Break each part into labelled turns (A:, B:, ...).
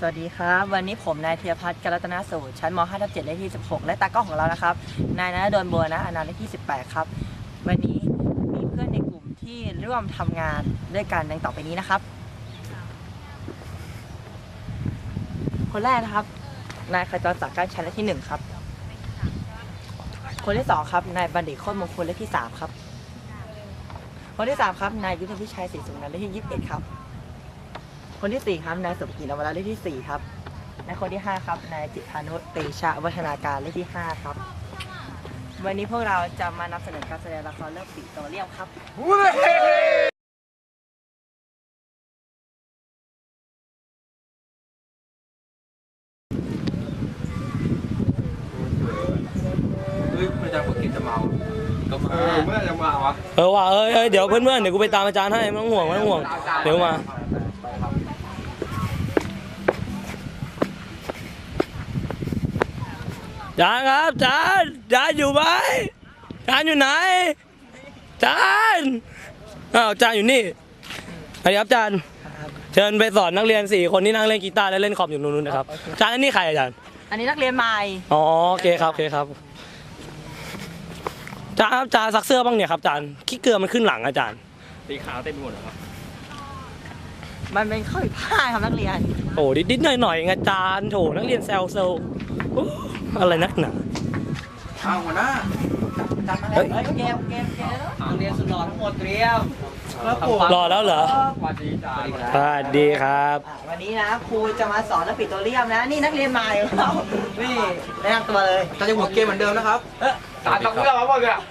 A: สวัสดีครับวันนี้ผมนายธีรพัฒน์ กรัตนสูตรชั้นม.5/7 เลขที่16และตากล้องของเรานะครับนายณดลบัวนะอนันต์เลขที่18ครับวันนี้มีเพื่อนในกลุ่มที่ร่วมทำงานด้วยกันดังต่อไปนี้นะครับคนแรกนะครับนายขจรศักดิ์ก้านชัยเลขที่1ครับคนที่2ครับนายบัณฑิตโคตรมงคลเลขที่3ครับคนที่3ครับนายยุทธพิชัยศรีสุวรรณเลขที่21ครับคนที่4ครับนายสุภกิจนวรัตน์เลขที่4ครับและคนที่5ครับนายจิตพานุเตชะวัฒนาการเลขที่5ครับวันนี้พวกเราจะมานำเสนอการแสดงละครเรื่องปิโตรเลียมครับ
B: ไม่จะฝึกกินจะเมาก็มาเมื่อจะมาวะ
C: ว่ะเดี๋ยวเพื่อนๆเดี๋ยวกูไปตามอาจารย์ให้ไม่ต้องห่วงเดี๋ยวมาจานครับจานอยู่ไหมจานอยู่ไหนจานจานอยู่นี่สวัสดีครับจานเชิญไปสอนนักเรียน4คนที่นั่งเล่นกีตาร์และเล่นคอมอยู่นู้นนะครับจานอันนี้ใครอาจารย์
A: อันนี้นักเรียนใหม่
C: อ๋อโอเคครับจานซักเสื้อบ้างเนี่ยครับจานขี้เกลือมันขึ้นหลังอาจารย์
B: สีขาวเต็มไปหมดครับ
A: มันเป็นข้อผิดพลาดครับนักเรียน
C: โอ้ดิดหน่อยอาจารย์โถนักเรียนแซวอะไรนักหนา
B: เอาหัวหน้า
A: เกมนักเรียนสุดหล่อทั้งหมดเตรียม
C: รอแล้วเหรอ
B: สวัสดีจ้า
C: สวัสดีครับ
A: วันนี้นะครูจะมาสอนเรื่องปิโตรเลียมนะนี่นักเรียนใหม่ของเรานี่แนะนำตัวเลย
B: เราจะหัวเกมเหมือนเดิมนะครับสารต้องเรื่องมาหมดเลย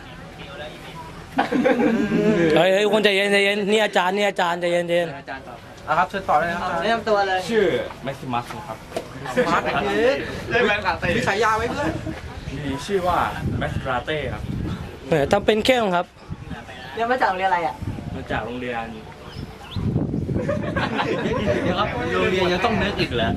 C: เฮ้ยคนใจเย็นนี่อาจารย์ใจเย็น
B: อาจารย์ต่อครับเชิญต่อเลยนะครับ
A: แนะนำตัวเลย
B: ชื่อแม็กซิมัสครับมาร์คเล่นแบงค์คาเต้มีฉายาไว้เพื่อนมีชื่อว่าแม็กซ์คาเต้ครับ
C: ทำเป็นเข้มครับ
A: เรียนมาจากโรงเรียนอะไรอ่ะ
B: มาจากโรงเรียนเดี๋ยวครับโรงเรียนยังต้องนึกอีกเหรอ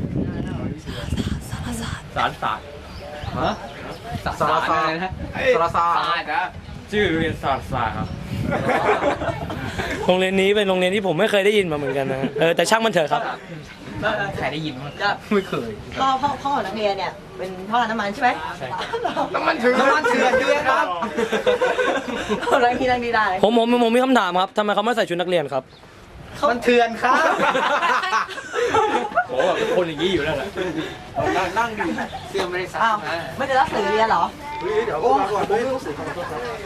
B: สารศาสตร์ฮะสารศาสตร์นะชื่อโรงเรียนสารศาสตร์ครับ
C: โรงเรียนนี้เป็นโรงเรียนที่ผมไม่เคยได้ยินมาเหมือนกันนะแต่ช่างมันเถอะครับ
B: ใครได้ยินมั้งไม่เคย
A: พ่อนักเรียนเนี่ยเป็นพ่อน้ำมันใช่ไหม
B: ใช่น้ำมันเถื่อนด้วยครับ
A: อะไรที่นั่งดีได้
C: ผมมีคำถามครับทำไมเขาไม่ใส่ชุดนักเรียนครับ
A: มันเถื่อนครับ
B: โอ้เป็นคนอย่างนี้อยู่แล้วแหละนั่งดิเสื้อไม่ได้ซักนะ
A: ไม่ได้รับสื่อเรียนเหรอ
B: เดี๋ยวก่อนไม่ต้องสื่อขอโทษ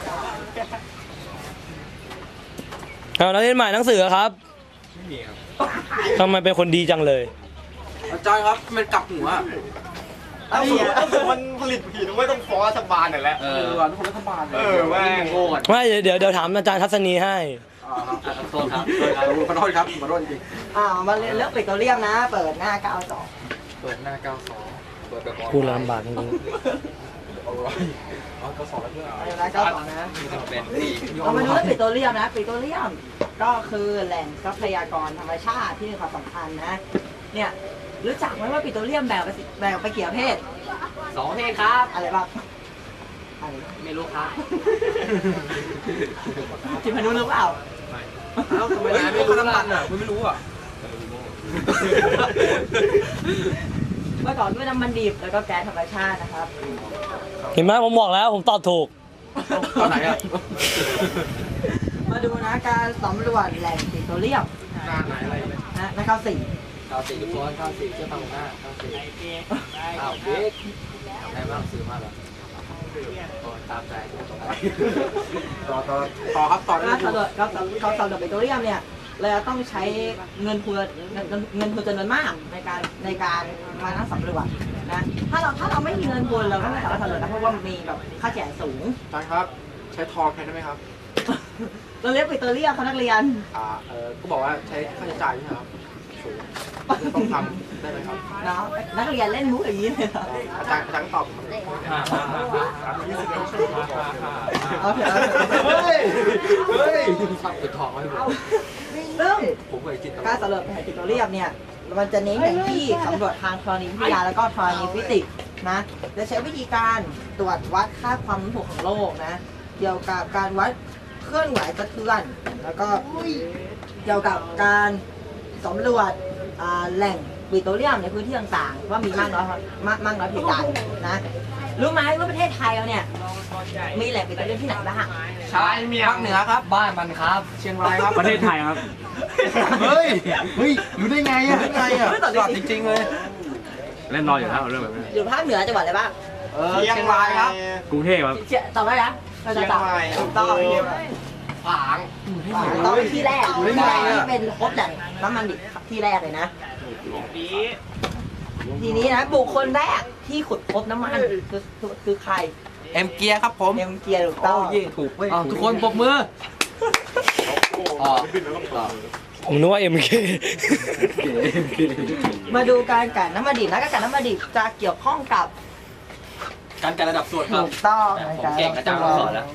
C: ครับนักเรียนใหม่หนังสือครับ
B: ไม่มีครับ
C: ทำไมเป็นคนดีจังเลย
B: อาจารย์ครับมันกลับหัวมันผลิตผีไม่ต้องฟ้องรัฐบาลหน่อยแล้วทุกคนรัฐบาลแม่งโง่
C: ไม่เดี๋ยวถามอาจารย์ทัศนีให้
B: โทษครับขอโทษครับขอโทษจริง
A: มาเรียนเรื่องปิโตรเลียมนะเปิดหน้า92
B: เปิดหน้า92เปิดแบบ
C: พูดลำบากจริง
B: 92แล้วเพื่อน
A: 92นะเรามาดูเรื่องปิโตรเลียมนะปิโตรเลียมก็คือแหล่งทรัพยากรธรรมชาติที่มีความสำคัญนะเนี่ยรู้จักไหมว่าปิโตรเลียมแบ่งไปกี่ประเภท
B: 2ประเภทครับ
A: อะไรบ้าง
B: ไม่รู้ครับ
A: จิพานุรู้เปล่า
B: ไม่ทำไมไม่รู้น้ำมันอ่ะไม่รู้อ่ะ
A: เมื่อก่อนด้วยน้ำมันดิบแล้วก็แก๊สธรรมชาตินะครับ
C: เห็นไหมผมบอกแล้วผมตอบถูก
B: ตอนไหนอ่ะ
A: มาดูนะการสำรวจแหล่งปิโตรเลียม
B: หน้าไหนอะไร
A: นะ
B: 94ตัว94เชื่อฟังหน้า94เด็กใครบ้างซื้อมาหรอตามใจต่อครับต่อ
A: การสำรวจปิโตรเลียมเนี่ยเราต้องใช้เงินทุนจำนวนมากในการมานั่งสำรวจนะถ้าเราไม่มีเงินทุนเราก็ไม่สามารถสำรวจได้เพราะว่ามีแบบค่าใช้จ่ายสูง
B: ใช่ครับใช้ทองแทนได้ไหมครับ
A: เราเรียกปิโตรเลียมเขานักเรียน
B: ก็บอกว่าใช้ค่าใช้จ่ายใช่ไหมครับสูงต้องทำได้ไหมครับ
A: นักเรียนเล่นมุกอย่างนี้เลย
B: อาจารย์ตอบเฮ้ยชอบปิดทองไว้ผม
A: ซึ่งการสำรวจแผ่นปิโตรเลียมเนี่ยมันจะเน้นอย่างที่สำรวจทางธรณีวิทยาแล้วก็ธรณีฟิสิกส์นะจะใช้วิธีการตรวจวัดค่าความนุ่มถ่วงของโลกนะเกี่ยวกับการวัดเคลื่อนไหวสะเทือนแล้วก็เกี่ยวกับการสำรวจแหล่งปิโตรเลียมในพื้นที่ต่างๆว่ามีมากน้อยเพียงใดนะรู้ไหมว่าประเทศไทยเราเนี่ยมีแหล่งปิโตรเลียมที่ไหนบ้าง
B: ชายเมียงภาคเหนือครับบ้านมันครับเชียงรายครับ
C: ประเทศไทยครับ
B: เฮ้ยรู้ได้ไงอ่ะจอดจริงๆเลย
C: เล่นรออยู่แล้วเรื่องแบบนี้
A: อยู่ภาคเหนือจังหวัดอะไรบ้าง
B: เชียงรายครับ
C: กรุงเทพครับ
A: ตอบได้นะเราจะตอบถูกต้อง
B: ฝาง
A: ต้องเป็นที่แรก
B: อยู่ได้ไงอะ
A: ที่เป็นพบแหล่งน้ำมันดิบที่แรกเลยนะ ทีนี้นะบุคคลแรกที่ขุดพบน้ำมันคือใคร
B: เอ็มเกียร์ครับผม
A: เอ็มเกียร์ถูกต้อง
B: ถูกเว้ยทุกคนปรบมือ
C: ผมนึกว่า MK
A: มาดูการกลั่นน้ำมันดิบนะการกลั่นน้ำมันดิบจะเกี่ยวข้องกับ
B: การจัดระดับส่วนครับ
A: ถูกต้อง
B: ผมเก่งอาจารย์สอนแล้ว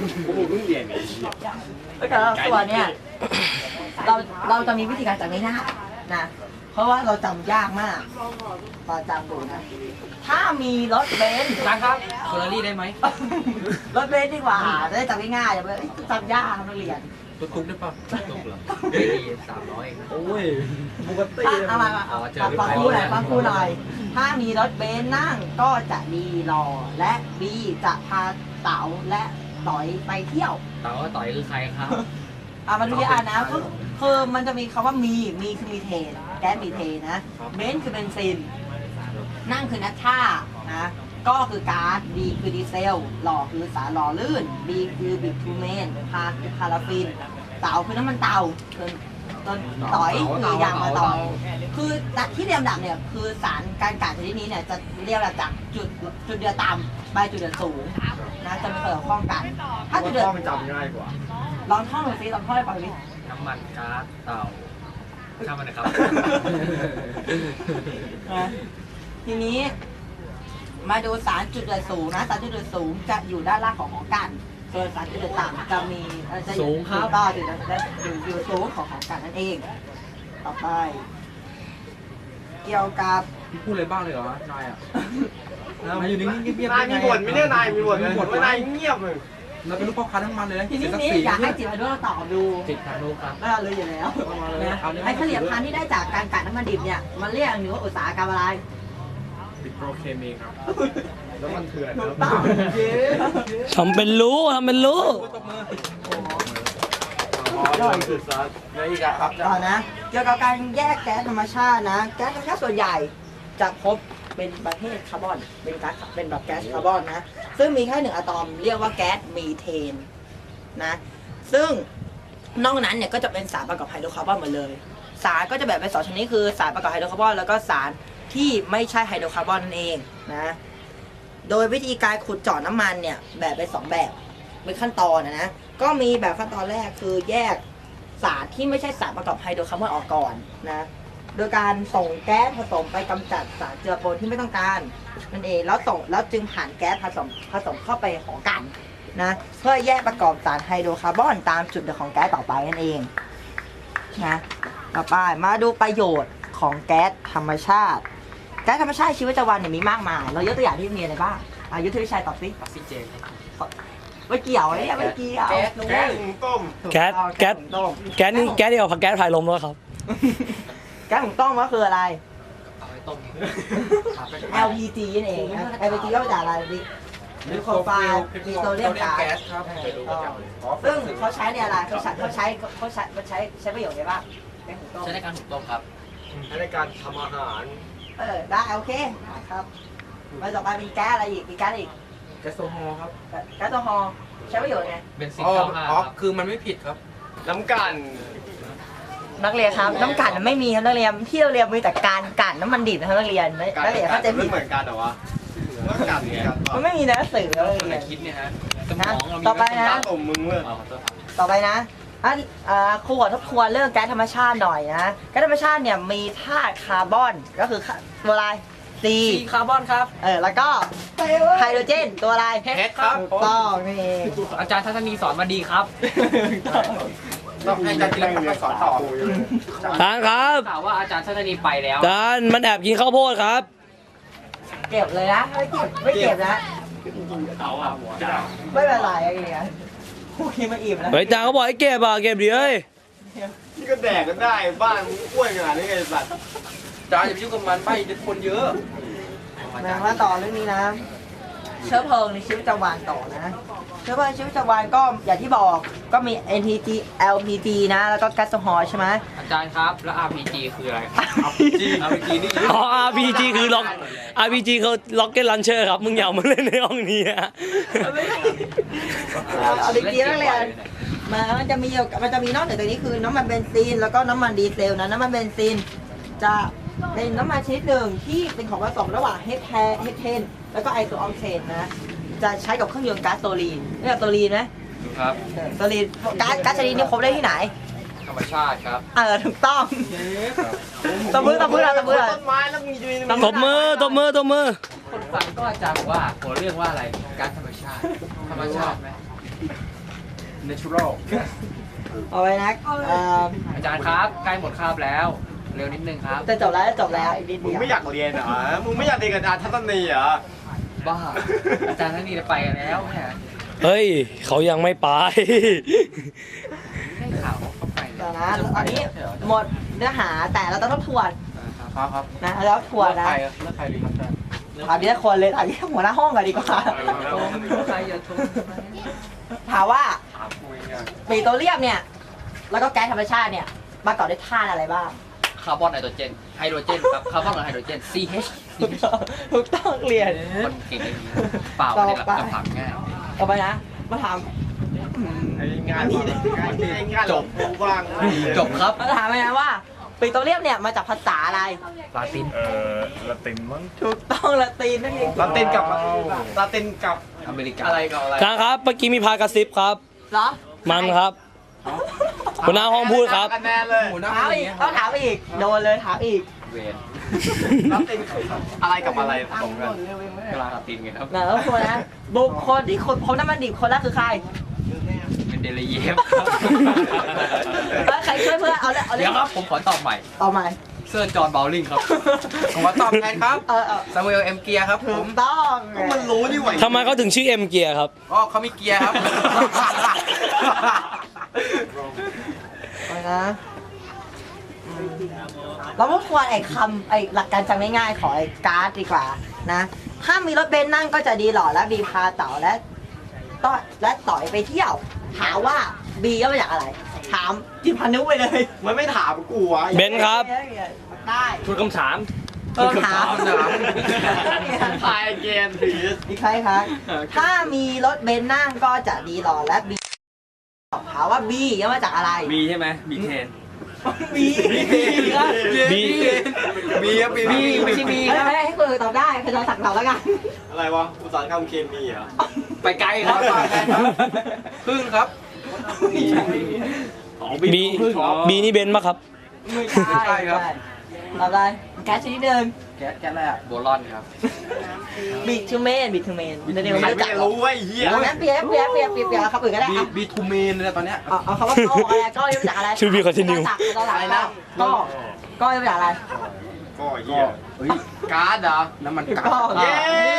A: แล้วการส่วนเนี่ยเราจะมีวิธีการจำง่ายๆนะเพราะว่าเราจำยากมากเราจำดูนะถ้ามีรถเบนซ์
B: อาจารย์ครับเฟอร์รารี่ได้ไหม
A: รถเบนซ์ดีกว่าจะได้จำง่ายๆอย่าไปจำยากนักเรียน
B: รถตุ๊กได้ป่ะตุ๊กเหรอดี300โอ้ยปกติ
A: เอามาฟังครูหน่อยฟังครูหน่อย ถ้ามีรถเบนซ์นั่งก็จะดีรอและบีจะพาเต๋าและต่อยไปเที่ยว
B: เต๋าต่อยคือใครครับ
A: มาดูที่อ่านนะคือมันจะมีคำว่ามีคือมีเทนแก๊สมีเทนนะเบนซ์คือเบนซินนั่งคือนัทท่านะก็คือก๊าซดีคือดีเซลหล่อคือสารหล่อลื่นบีคือบิทูเมนพาคือพาราฟินเต๋าคือน้ำมันเตาต้นต่อยคือยางมะตอยคือที่เรียงลำดับเนี่ยคือสารการกลั่นชนิดนี้เนี่ยจะเรียงลำดับจากจุดเดือดต่ำไปจุดเดือดสูงนะจะมีเกี่ยวข้องกันถ้าจุดเดือด
B: มันจำง่ายกว่า
A: ลองท่องหน่อยสิลองท่องให้ฟังดิ
B: น้ำมันก๊าซเตาช่างมันนะครับ
A: นะทีนี้มาดูสารจุดเดือดสูงนะสารจุดเดือดสูงจะอยู่ด้านล่างของกันส่วนสารจุดเดือดต่ำจะมีจะอยู่ต่ออยู่สูงของกันนั่นเอง ต่อไป เกี่ยวกับ
B: พูดอะไรบ้างเลยเหรอนายอ่ะนายอยู่นิ่งๆเงียบๆ
D: นายมีบ่นไหมเนี่ยนายมีบ่นไหมว่านายเงียบเลย
B: เราเป็นลูกพ่อค้าน้ำมันเลยนะ
A: ทีนี้
B: เสียศักดิ์ศรี
A: อยากให้จิตวิทยาตอบดู
B: ติดทางโน้ครับ
A: ก็รู้อยู่แล้วนะไอ้ผลิตภัณฑ์ที่ได้จากการกลั่นน้ำมันดิบเนี่ยมันเรียกหรือว่าอุตสาหกรรมอะไร
B: ติดโปรเคมีครับ
D: แล้วมันเถื่อน
A: ถูกต้องเย้
C: ทำเป็นรู้
D: ย่อยสุดซัด
B: แล้วอีกอะครับ
A: ต่อนะ เกี่ยวกับการแยกแก๊สธรรมชาตินะ แก๊สธรรมชาติส่วนใหญ่จะพบเป็นประเภทคาร์บอน เป็นก๊าซเป็นแบบแก๊สคาร์บอนนะ ซึ่งมีแค่หนึ่งอะตอมเรียกว่าแก๊สมีเทนนะ ซึ่งนอกนั้นเนี่ยก็จะเป็นสารประกอบไฮโดรคาร์บอนหมดเลย สารก็จะแบ่งเป็นสองชนิดคือสารประกอบไฮโดรคาร์บอนแล้วก็สารที่ไม่ใช่ไฮโดรคาร์บอนนั่นเองนะ โดยวิธีการขุดเจาะน้ำมันเนี่ยแบ่งเป็นสองแบบเป็นขั้นตอนนะ ก็มีแบบขั้นตอนแรกคือแยกสารที่ไม่ใช่สารประกอบไฮโดรคาร์บอนออกก่อนนะ โดยการส่งแก๊สผสมไปกำจัดสารเจือปนที่ไม่ต้องการนั่นเองแล้วจึงผ่านแก๊สผสมเข้าไปของกันนะเพื่อแยกประกอบสารไฮโดรคาร์บอนตามจุดเดือดของแก๊สต่อไปนั่นเองนะต่อไปมาดูประโยชน์ของแก๊สธรรมชาติ แก๊สธรรมชาติชีวิตประจำวันเนี่ยมีมากมายเรายกตัวอย่างที่มีอะไรบ้างยุทธวิชัยตอบสิ
B: ออกซิเจน
A: ไม่เกี่ยวเนี่ยไม่เกี่ยว
B: แก๊ส
D: แก๊สหุงต้ม
C: แก๊ส
A: ต้ม
C: แก๊สนี่แก๊สเดียวกับแก๊สพายลมแล้วครับ
A: แก๊สหุงต้มก็คืออะไร
B: เอาไปต้ม
A: LPG นั่นเองนะ LPG ก็มาจากอะไรดิหรือโคไฟมีโซเดียมก๊าซ
B: ครับ
A: ซึ่งเขาใช้ในอะไรเขาใช้ประโยชน์อะไรบ้างแก๊สหุงต้ม
B: ใช้ในการหุงต้มครับ
D: ในการทำอาหาร
A: ได้โอเคครับมาต่อไปมีแก๊สอะไรอีกมีแก๊สอะไรอีก
B: แก๊สโซฮอล์ครับ
A: แก๊สโซฮอล์ใช้ประโยชน์ไง
B: เบนซิน95ครับคือมันไม่ผิดครับ
D: น้ำกัน
A: นักเรียนครับน้ำกลั่นมันไม่มีครับนักเรียนที่เราเรียนมีแต่การกลั่นน้ำมันดิบนะครับนักเรียนนักเรียนเข้าใจผิด
D: เหมือนกันเหรอวะน้ำกันเนี่ย
A: มันไม่มีในหนังสือเลย
B: คนไหนคิดเนี่ยฮะสม
A: นะ
B: องเรามี
A: ต่อไปนะ
D: ต้มมึงเมื่อ
A: ต่อไปนะครูขอทบทวนเรื่องแก๊สธรรมชาติหน่อยนะแก๊สธรรมชาติเนี่ยมีธาตุคาร์บอนก็คือตัวอะไร C
B: คาร์บอนครับ
A: แล้วก็ไฮโดรเจนตัวอะไร
B: H ครับ
A: ถูกต้องนี่เอง
B: อาจารย์ทัศนีสอนมาดีครับต้องให้อาจารย์จิรพัฒน์มาสอนต่อ
C: จานครับ
B: ข่าวว่าอาจารย์ทัศนีไปแล้ว
C: จานมันแอบกินข้าวโพดครับ
A: เก็บเลยนะไม่เก็บนะ
B: เขาอ่ะ
A: ไม่เป็นไรอะไรอย่างเงี้ยครูคิดมาอิ่มแล้ว
C: เฮ้ยจานเขาบอกให้เก็บอ่ะเก็บดิเฮ้ย
D: นี่ก็แดกกันได้บ้านมึงอ้วนขนาดนี้ไงสัตว์
B: อาจารย์อย่าไปยุ่งกับมันไปเดี๋ยวคนเยอะ
A: มาต่อเรื่องนี้นะ เชื้อเพลิงในชีวิตประจำวันต่อนะ เชื้อเพลิงในชีวิตประจำวันก็อย่างที่บอกก็มี NTG LPG นะ แล้วก็แก๊สโซฮอล์ใช่ไหม
E: อาจารย์ครับ แล้ว RPG คืออะไร
B: RPG นี่
C: อ๋อ RPG คือล็อก RPG คือ Rocket Launcher ครับ มึงอย่ามาเล่นในห้องนี้อะ
A: เอาดีๆนักเรียนมันจะมีนอกเหนือจากนี้คือน้ำมันเบนซินแล้วก็น้ำมันดีเซลนะน้ำมันเบนซินจะเป็นน้ำมันชนิดหนึ่งที่เป็นของผสมระหว่างเฮเทนแล้วก็ไอโซออกเทนนะ จะใช้กับเครื่องยนต์ก๊าซโซลีนนี่กับโซลีนไหม
E: ครับ
A: โซลีนก๊าซโซลีนนี่พบได้ที่ไหน
E: ธรรมชาติครับ
A: ถูกต้องตบมือเรา
D: ต้นไม้แล้วมีอยู่ใน
C: ตบมือ
E: คนฟังก็อาจารย์บอกว่าหัวเรื่องว่าอะไรก๊าซธรรมชาติ ธรรมชาติไหม
B: natural
A: เอาไว้นะ
E: อาจารย์ครับ ใกล้หมดคาบแล้ว เร็วนิดนึงครับ
A: จะจบแล้วอีกนิด
D: มึง
A: เดียว
D: ไม่อยากเรียนเหรอมึงไม่อยากเรียนกับอาจารย์ทัศนีเหรอ
E: บ้า อาจารย์ทั้งนี้ไปกันแล้วเนี่ย
C: เฮ้ย เขายังไม่ไป
E: ได้ข่าวว่าเขาไป
A: เดี๋ยวนะตอนนี้หมดเนื้อหาแต่เราต้องทบทวน
B: ครับ
A: นะแล้วทวนนะ
B: เลือกใครดีครับอาจารย์
A: ถามทีละคนเลยถามที่หัวหน้าห้องก่อนดีกว่า
E: ใครอย่าชม
A: ถามว่า
D: ถามกูเองอะ
A: ปิโตรเลียมเนี่ย แล้วก็แก๊สธรรมชาติเนี่ยประกอบด้วยธาตุอะไรบ้าง
E: คาร์บอนไนโตรเจน ไฮโดรเจนครับ คาร์บอนกับไฮโดรเจน CH
A: ถูกต้องเรียน
E: คนเก่งอย่างนี้เปล่าไม่ได้หลับคำถามง่าย
A: ต่อไปนะ มาถาม
D: ไอ้งานจบกูบ้าง
E: จบครับ
A: มาถามไปนะว่าปิโตรเลียมเนี่ยมาจากภาษาอะไร
E: ลาติน
D: ละตินมั้ง
A: ถูกต้องละตีนนั่นเอง
D: ละตินกับละตินกับ
E: อเมริกา
B: อะไรกับอะไร
C: อาจารย์ครับ เมื่อกี้มีพากระซิบครับ
A: เหรอ
C: มันครับหัวหน้าห้องพูดครับ
D: คะแนนเลย
B: หัวหน้า
A: ถามอีกต้องถามอีกโดนเลยถามอีก
E: เวน
D: ละตินอะไรกับอะไรผสมกัน
E: กลาตินไงครับ
A: นะแล้วคนนะบุคคลที่คนพบน้ำมันดิบคนแรกคือใคร
E: เป็นเดลเยฟ
A: แล้วใครช่วยเพื่อนเอาเลย
E: เดี๋ยวครับผมขอตอบใหม่
A: เอาใหม่
E: เซอร์จอห์นบาวลิงครับ
B: ผมขอตอบแทนครับ
A: เออ
B: ซามูเอลเอ็มเกียร์ครับผ
A: ถู
B: ม
A: กต้อง
D: ก็มันรู้นี่หว่า
C: ทำไมเขาถึงชื่อเอ็มเกียร์ครับ
B: อ๋อเขามีเกียร์ครับ
A: เอานะเราพูดทวนไอ้คำไอ้หลักการจำง่ายๆของไอ้การ์ดดีกว่านะ ถ้ามีรถเบนซ์นั่งก็จะดีหล่อและบีพาเต่าและต่อยไปเที่ยว ถามว่าบีก็มาจากอะไร ถามจิพานุไปเลย
D: มันไม่ถามกูวะ
C: เบนซ์ครับ
A: ได้
C: ทุกคำถาม
A: ถาม
D: พายเกนผี
A: อีกใครครับถ้ามีรถเบนซ์นั่งก็จะดีหล่อและบีถามว่าบีก็มาจากอะไร
C: บีใช่ไหมบีเทน
A: บีครับ
C: บี
B: บีครับบีไม่ใช่บี
A: ให้คนอื่นตอบได้ใครจะสั่งเราแล้วกัน
D: อะไรวะอุตสาหกรรมเคมีเหรอ
E: ไปไกลครับ
B: พึ่งครับ
C: บีบีนี่เบนซ์ปะครับ
A: ไม่ใช่ครับตอบอะไรแก๊สชนิดหนึ่ง
B: แก๊สอะไรอ่ะ
E: โบลอนครับ
A: บิทูเมนเดี๋ยว
D: ใคร
A: ไม่รู้
D: ไม่
A: จัก
D: รู้ไอ้เหี้ย
A: เอางั้นเปียกครับอื่นก็ได้
B: บีทูเมนเลยตอนเนี้ย
A: เอาคำว่าก้ออะไรก้อยังมาจากอะไร
C: ชื่อ Be Continue
A: อะไรนะก้อยังมาจากอะไร
D: ก็เหี้ย
B: เฮ้ยก๊าซเหรอน้ำมันก๊า
A: ก้อ
B: ซ
D: เย้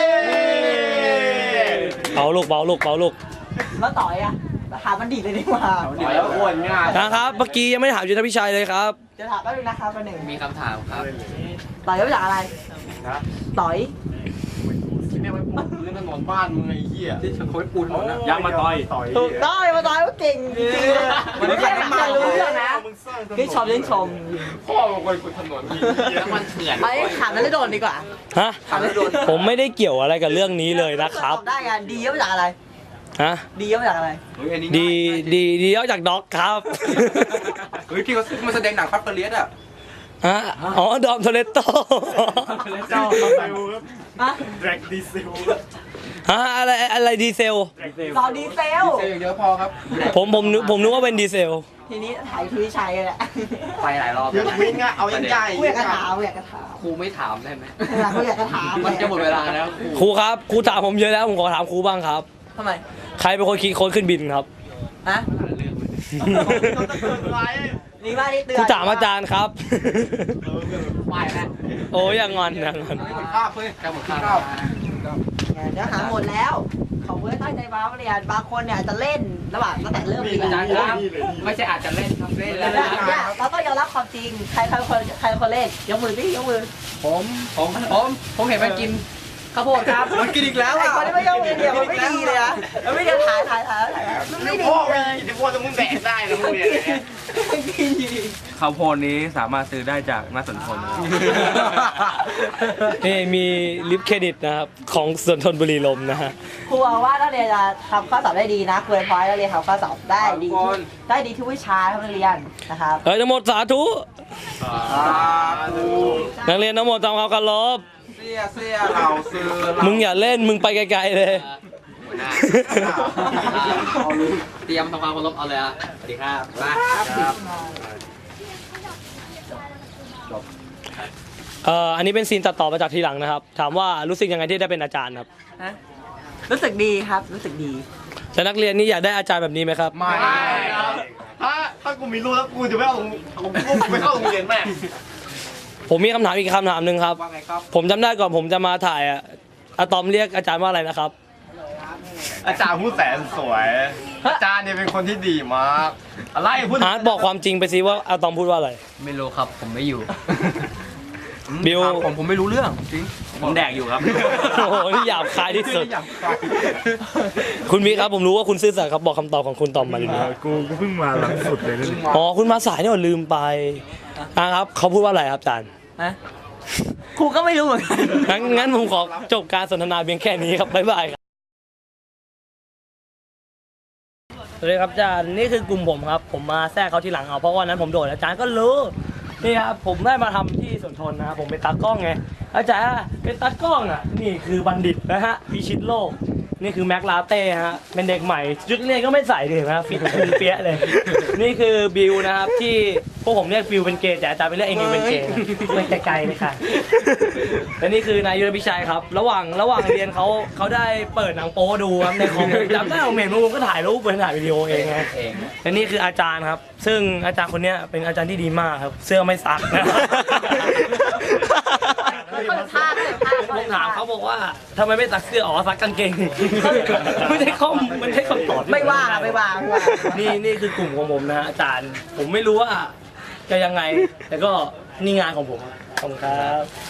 C: เบาลูก
A: แล้วต่อยอ่ะถามมันดีเลยดีกว่า
D: แล้วอ้วนง่าย
C: นะครับ เมื่อกี้ยังไม่ได้ถามยุทธพิชัยเลยครับ
A: จะถามก็ดูนะครับประหนึ่ง
E: มีคำถามครับ
A: ต่อยยังมาจากอะไร
D: นะ
A: ต่อย
D: ที่ไม่ไว้ปูพื้นถนนบ้านมึงไอ้เหี้ย
B: ที่เขาไปปูนถนนนะ
C: ยักษ์มาต่อย
A: ถูกต้องมาต่อยว่าเก่งจริงๆมันไม่ใช่มารู้เรื่องนะพี่ชมเล่นชม
D: พ่อมึงไปปูถนนนี่เหี้ย
E: น้ำมันเถื่อน
A: ไอ้ถามแล้วโดนดีกว่า
C: ฮะ ผมไม่ได้เกี่ยวอะไรกับเรื่องนี้เลยนะครับ
A: ตอบได้กันดียังมาจากอะไร
C: ฮะ
A: ดียังมาจากอะไร
B: เฮ้ยอันนี้
C: ดีออกจากด็อกครับ
B: เฮ้ยที่เขามาแสดงหนังพัดเปรียสอ่ะ
C: ฮะอ๋อ ดอมโทเลตโต
D: เจ้าดีเซลครับ
A: อะ
D: แดร็กดีเซล
C: ฮะอะไรดีเซล
A: รอดีเซล
B: เซลอย่างเดียวพอครับ
C: ผมนึกว่าเป็นดีเซล
A: ทีนี้ถ่ายทีชัยเลยแหละ
E: ไปหลายรอบ
D: ยึดวิ่งอะเอายังใหญ่
A: กูอยากกระถามกูอยากกระถาม
E: ครูไม่ถามได้ไหม
A: กูอยากกระถาม
E: มันจะหมดเวลาแล้วครู
C: ครูครับ ครูถามผมเยอะแล้ว ผมขอถามครูบ้างครับ
A: ทำไม
C: ใครเป็นคนคิดค้นขึ้นบินครับ
A: ฮะนี่ว่านี่เตือน
C: ครูถามอาจารย์ครับ
E: ไปแล้ว
C: โอ้ยอย่างงอน
B: หมดคาบเฮ้ย
E: แค่หมดคาบ
A: เนื้อหาหมดแล้วเขาเพื่อตั้งใจมาเรียนบางคนเนี่ยจะเล่นระหว่างตั้งแต่เริ่มเรียน
E: อาจารย์ครับไม่ใช่อาจจะเล่นครับเล่นแล้ว
A: เนี่ยเราต้องยอมรับความจริงใครคนเล่นยกมือดิยกมือ
E: ผมเห็นมันกินข้าวโพดครับ
B: มันกินอีกแล้ว
A: ไอ้
B: อ่ะ
A: คนที่ไม่ยกมือเดียวมันไม่ดีเลยอะมันไม่ได้ถ่ายมันไม่ดี
B: พ่อ
A: เล
B: มี
A: ย
B: อิทธิพลจะมึงแดกได้นะมึงเนี่ย
D: ข้าวโพดนี้สามารถซื้อได้จากนักสนทน
C: นี่มีลิฟต์เครดิตนะครับของสวนทนบุรีลมย์นะฮะ
A: ครูบอกว่านักเรียนจะทำข้อสอบได้ดีนะครูพอยนักเรียนทำข้อสอบได้ดีทุกวิชาครับนักเรียนนะครับ
C: เฮ้ยทั้งหมดสาธุนักเรียนทั้งหมดทำความเคารพ
B: เสียเราซื้อ
C: มึงอย่าเล่นมึงไปไกลๆเลย
E: หัวหน้าเตรียมทำความเคารพเอาเลยอ่ะสวัสดีครับมา
C: อันนี้เป็นซีนตัดต่อมาจากทีหลังนะครับ ถามว่ารู้สึกยังไงที่ได้เป็นอาจารย์ครับ
A: รู้สึกดีครับรู้สึกดี
C: แต่นักเรียนนี่อยากได้อาจารย์แบบนี้ไหมครับ
B: ไม่ถ้ากูมีลูกแล้วกูจะไม่เอากูไม่เข้าโรงเรียนแม่
C: ผมมีคำถามอีกคำถามหนึ่งครับ
B: ว่าไงครับ
C: ผมจำได้ก่อนผมจะมาถ่ายอะตอมเรียกอาจารย์ว่าอะไรนะครับ
B: อาจารย์ผู้แสนสวย อาจารย์เนี่ยเป็นคนที่ดีมากอะไรพูด
C: อาร์ตบอกความจริงไปสิว่าอะตอมพูดว่าอะไร
E: ไม่รู้ครับผมไม่อยู่
C: บิว
D: ผมไม่รู้เรื่องจริง ผมแดกอยู่ครับ
C: โอ้โหนี่หยาบคายที่สุด คุณมีครับผมรู้ว่าคุณซื่อสัตย์ครับบอกคำตอบของคุณตอมมาเลยนะ
D: กูเพิ่งมาหลังสุดเลย
C: อ๋อคุณมาสายนี่หว่าลืมไปครับเขาพูดว่าอะไรครับอาจารย์
A: ครูก็ไม่รู้เหมือนกัน
C: งั้นผมขอจบการสนทนาเพียงแค่นี้ครับบ๊ายบายครับสวัสดีครับอาจารย์นี่คือกลุ่มผมครับ ผมมาแทรกเขาทีหลังเอาเพราะว่านั้นผมโดดอาจารย์ก็รู้นี่ครับผมได้มาทำที่สวนทนนะครับผมเป็นตากล้องไงอาจารย์เป็นตากล้องอ่ะนี่คือบัณฑิตนะฮะพิชิตโลกนี่คือแม็กลาเต้ฮะเป็นเด็กใหม่ชุดเรียนก็ไม่ใส่เลยนะฟิตคุมเปี้ยเลย นี่คือบิวนะครับที่พวกผมเรียกบิวเป็นเกย์แต่อาจารย์ไปเรียกเองเป็นเกย์นะไม่ไกลๆเลยค่ะและนี่คือนายยุทธพิชัยครับระหว่างเรียนเขาได้เปิดหนังโป๊ดูครับในคอมจำได้ผมเห็นผมก็ถ่ายรูปเป็นถ่ายวิดีโอเองไง และนี่คืออาจารย์ครับ ซึ่งอาจารย์คนเนี้ยเป็นอาจารย์ที่ดีมากครับ เสื้อไม่ซักนะ ผมถามเขาบอกว่าทำไมไม่ซักเสื้ออ๋อซักกางเกง ไม่ใช่ข้อมมันใช่คำตอบ
A: ไม่ว่าไม่ว่า
C: นี่คือกลุ่มของผมนะฮะอาจารย์ ผมไม่รู้ว่าจะยังไง แต่ก็นี่งานของผมขอบคุณครับ